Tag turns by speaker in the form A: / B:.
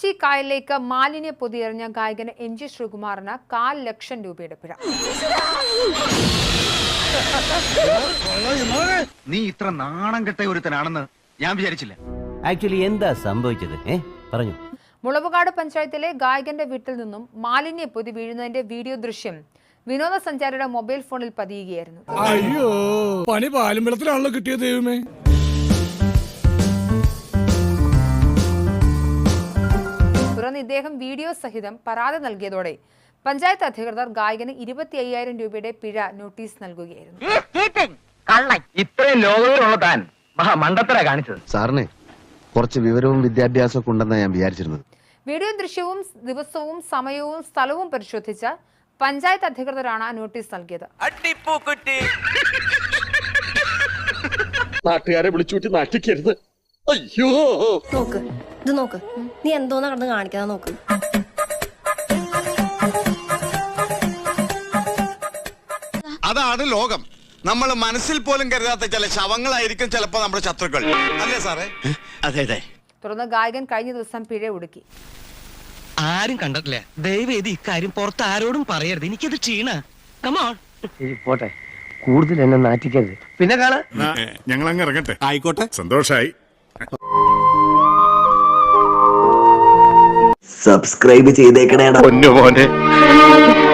A: കൊച്ചി കായലിലേക്ക് മാലിന്യ പൊതിയെറിഞ്ഞ ഗായകന് NG ശ്രീകുമാറിന് 4 ലക്ഷം രൂപയുടെ പിഴ.
B: നീ ഇത്ര നാണം കെട്ട ഒരുത്തനാണെന്ന് ഞാൻ വിചാരിച്ചില്ല.
C: ആക്ച്വലി എന്താ സംഭവിച്ചത്? പറഞ്ഞു.
A: മുളവുകാട് പഞ്ചായത്തിലെ ഗായകന്റെ വീട്ടിൽ നിന്നും മാലിന്യ പൊതി വീഴുന്നതിന്റെ വീഡിയോ ദൃശ്യം വിനോദസഞ്ചാരിയുടെ മൊബൈൽ ഫോണിൽ പതിയുകയായിരുന്നു.
D: അയ്യോ, പണി പാലുമ്പളത്തിലാണല്ലോ കിട്ടിയത് ദൈവമേ.
A: തുടർന്ന് ഇദ്ദേഹം വീഡിയോ സഹിതം പരാതി നൽകിയതോടെ പഞ്ചായത്ത് അധികൃതർ ഗായകന് 25,000 രൂപയുടെ പിഴ നോട്ടീസ് നൽകുകയായിരുന്നു.
B: ഇത്രയും ലോകവിവരമുള്ള താൻ മണ്ടത്തര കാണിച്ചത്.
E: സാറിന് കുറച്ച് വിവരവും വിദ്യാഭ്യാസവും ഉണ്ടെന്നാണ് ഞാൻ വിചാരിച്ചിരുന്നത്.
A: വീഡിയോ ദൃശ്യവും ദിവസവും സമയവും സ്ഥലവും പരിശോധിച്ച പഞ്ചായത്ത് അധികൃതരാണ് നോട്ടീസ് നൽകിയത്.
F: നാട്ടുകാരെ വിളിച്ചുകൂട്ടി നാട്ടിക്കരുത്. അയ്യോ,
G: നോക്ക്, ഇത് നോക്ക്, നീ എന്തോന്നാ കടന്ന് കാണിക്കാതെ നോക്ക്.
H: അതാണ് ലോകം. നമ്മൾ മനസ്സിൽ പോലും കരുതാത്ത ചില ശവങ്ങളായിരിക്കും ചിലപ്പോ നമ്മുടെ ശത്രുക്കൾ, അല്ലേ സാറേ?
F: അതെ അതെ.
A: തുടർന്ന് ഗായകൻ കഴിഞ്ഞ ദിവസം പിഴ ഒടുക്കി.
I: ആരും കണ്ടിട്ടില്ല. ദയവേദി ഇക്കാര്യം പുറത്ത് ആരോടും പറയരുത്. എനിക്കത് ക്ഷീണ.
C: പോട്ടെ, കൂടുതൽ എന്നെ നാറ്റിക്കരുത്. പിന്നെ കാണാ.
D: ഞങ്ങൾ അങ്ങ് ഇറങ്ങട്ടെ.
H: ആയിക്കോട്ടെ,
D: സന്തോഷായി.
J: സബ്സ്ക്രൈബ് ചെയ്തേക്കണേടാ പൊന്നു മോനെ.